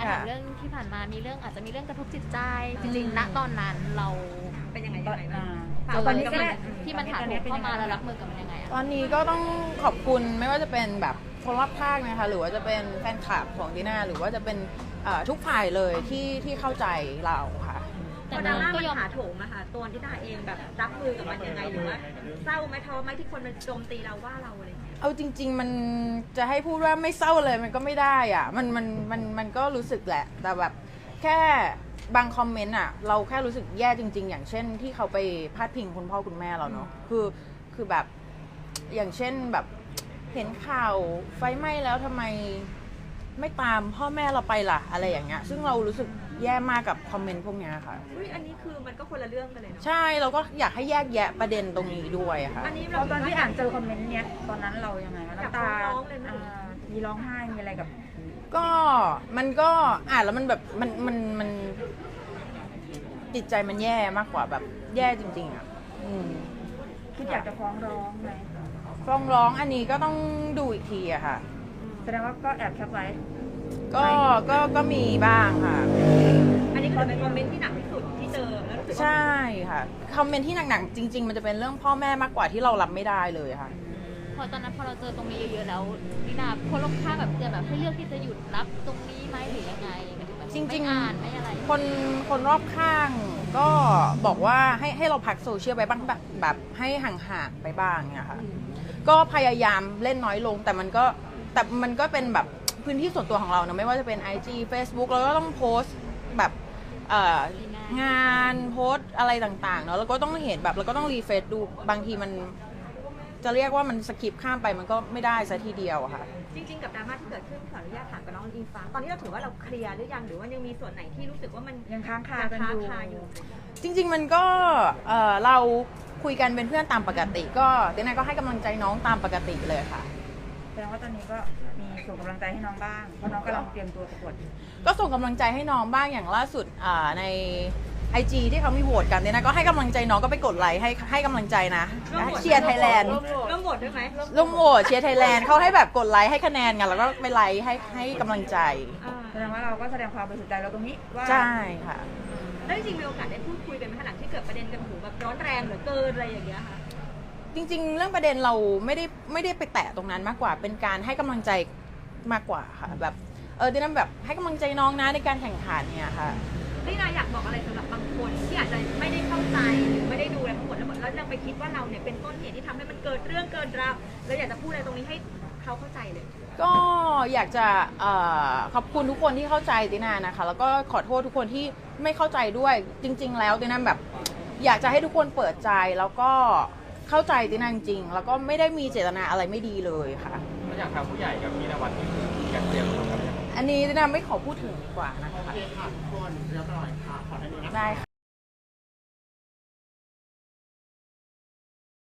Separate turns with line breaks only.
ถามเรื่องที่ผ่านมามีเรื่องอาจจะมีเรื่องกระทบจิตใจจริงๆณตอนนั้นเราเป็นยังไงบ้างตอนนี้ก็ที่มันถาโถมเข้ามาแล้วรับมือกับมันยังไงอะ
ตอนนี้ก็ต้องขอบคุณไม่ว่าจะเป็นแบบคนรอบข้างนะคะหรือว่าจะเป็นแฟนคลับของดีน่าหรือว่าจะเป็นทุกฝ่ายเลยที่เข้าใจเราค่ะ
แต่ดราม่ามันถาโถมอะค่ะตัวที่น่าเองแบบรับมือกับมันยังไงหรือว่าเศร้าไหมท้อไหมที่คนมันโจมตีเราว่าเราอะไรอย่างเงี้ย
เอาจริงๆมันจะให้พูดว่าไม่เศร้าเลยมันก็ไม่ได้อ่ะมันก็รู้สึกแหละแต่แบบแค่บางคอมเมนต์อ่ะเราแค่รู้สึกแย่จริงๆอย่างเช่นที่เขาไปพาดพิงคุณพ่อคุณแม่เราเนาะคือแบบอย่างเช่นแบบเห็นข่าวไฟไหม้แล้วทำไมไม่ตามพ่อแม่เราไปล่ะอะไรอย่างเงี้ยซึ่งเรารู้สึกแย่มากกับคอมเมนต์พวกเนี้ยค่ะ
อันนี้คือมันก็คนละเรื่องกันเลยเนาะ
ใช่เราก็อยากให้แยกแยะประเด็นตรงนี้ด้วยค่ะ
อันนี้
ตอนที่อ่านเจอคอมเมนต์เนี้ยตอนนั้นเรายังไงน้ำตามีร้องไห้มีอะไรกับ
ก็มันก็อ่านแล้วมันแบบมันจิตใจมันแย่มากกว่าแบบแย่จริงๆอ่ะ
คิดอยากจะฟ้องร้องไหม
ฟ้องร้องอันนี้ก็ต้องดูอีกทีอะค่ะ
แสดงว่าก็แอบแคปไว้
ก็มีบ้างค่ะ
อันนี้คือเป็นคอมเมนต์ที่หนักที่สุดที่เจอแล้วรู้สึกว่า
ใช่ค่ะคอมเมนต์ที่หนักๆจริงๆมันจะเป็นเรื่องพ่อแม่มากกว่าที่เรารับไม่ได้เลยค่ะ
พอตอนนั้นพอเราเจอตรงนี้เยอะๆแล้วดินาคนรอบข้างแบบจะแบบให้เลือกที่จะหยุดรับตรงนี้ไหมหรือยังไง
จริงๆ
อ่านไม่อะไร
คนรอบข้างก็บอกว่าให้เราพักโซเชียลไปบ้างแบบให้ห่างๆไปบ้างเนี่ยค่ะก็พยายามเล่นน้อยลงแต่มันก็เป็นแบบพื้นที่ส่วนตัวของเราเนอะไม่ว่าจะเป็น IG Facebook เราก็ต้องโพสต์แบบงานโพสต์อะไรต่างๆเนอะแล้วก็ต้องเห็นแบบเราก็ต้องรีเฟรชดูบางทีมันจะเรียกว่ามันสกิปข้ามไปมันก็ไม่ได้ซะทีเดียวค่ะ
จริงๆกับดราม่าที่เกิดขึ้นขออนุญาตถามกับน้องอิงฟ้าตอนนี้เราถือว่าเราเคลียร์หรือยังหรือว่ายังมีส่วนไหนที่รู้สึกว่ามัน
ยังค้างคา
อยู่
จริงๆมันก็เราคุยกันเป็นเพื่อนตามปกติก็เดน่าก็ให้กำลังใจน้องตามปกติเลยค่ะ
แสดงว่าตอนนี้ก็มีส่งกำลังใจให้น้องบ้างเพราะน้องกำลังเตรียมตัวประกวด
ก็ส่งกำลังใจให้น้องบ้างอย่างล่าสุดในIG ที่เขามีโหวตกันเนี่ยนะก็ให้กำลังใจน้องก็ไปกดไลค์ให้กำลังใจนะเชียร์ไทยแลนด์
ร่วมโหวตด้วยไหม
ร่วมโหวตเชียร์ไทยแลนด์เขาให้แบบกดไลค์ให้คะแนนกันแล้วก็ไปไลค์ให้กำลังใจ
แสดงว่าเราก็แสดงความบริสุทธิ์ใจเราตรงนี้ว่า
ใช่ค่ะ
แล้วจริงๆมีโอกาสได้พูดคุยกันไหมขณะที่เกิดประเด็นกันหูแบบร้อนแรงเหลือเกินอะไรอย่างเงี้ยค่ะ
จริงๆเรื่องประเด็นเราไม่ได้ไปแตะตรงนั้นมากกว่าเป็นการให้กำลังใจมากกว่าค่ะแบบดิน่าแบบให้กำลังใจน้องนะในการแข่งขันเนี่ยค่ะ
ดิน่าอยากบอกอะไรสำหรับบางคนที่อาจจะไม่ได้เข้าใจหรือไม่ได้ดูอะไรทั้งหมดแล้วยังไปคิดว่าเราเนี่ยเป็นต้นเหตุที่ทำให้มันเกิดเรื่องเกินราวแล้วอยากจะพูดอะไรตรงนี้ให้เขาเข้าใจเลย
ก็อยากจะขอบคุณทุกคนที่เข้าใจตินานะคะแล้วก็ขอโทษทุกคนที่ไม่เข้าใจด้วยจริงๆแล้วตินาแบบอยากจะให้ทุกคนเปิดใจแล้วก็เข้าใจตินาจริงๆแล้วก็ไม่ได้มีเจตนาอะไรไม่ดีเลยค่ะ
อยากทางผู้ใหญ่กับพี่นวัดนี่คือการเตรียมตัวครับ
อันนี้ตินาไม่ขอพูดถึงดีกว่านะคะ
โอเคค่ะทุกคนเรียบร้อยค่ะขอได้ไหม
ได้ค่ะ